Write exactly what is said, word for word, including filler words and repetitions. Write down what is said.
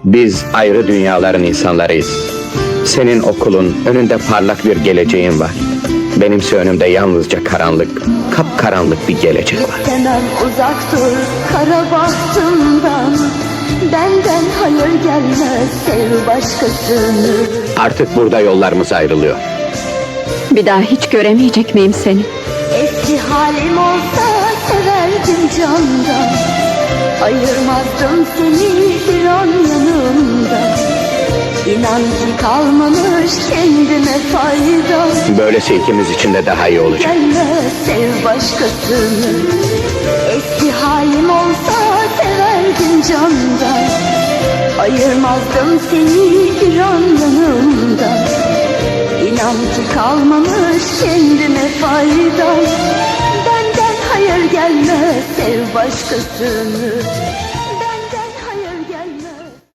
Biz ayrı dünyaların insanlarıyız. Senin okulun, önünde parlak bir geleceğin var. Benimse önümde yalnızca karanlık, kapkaranlık bir gelecek var. İstemem, uzak dur kara bahtımdan. Benden hayır gelmez, sev başkasını. Artık burada yollarımız ayrılıyor. Bir daha hiç göremeyecek miyim seni? Eski halim olsa severdim candan. Ayırmazdım seni bir an yanımda. İnan ki kalmamış kendime fayda. Böylesi ikimiz için de daha iyi olacak. Gelmez, sev başkasını. Eski halim olsa severdim candan. Ayırmazdım seni bir an yanımda. İnan ki kalmamış kendime fayda. Benden hayır gelmez, sev başkasını.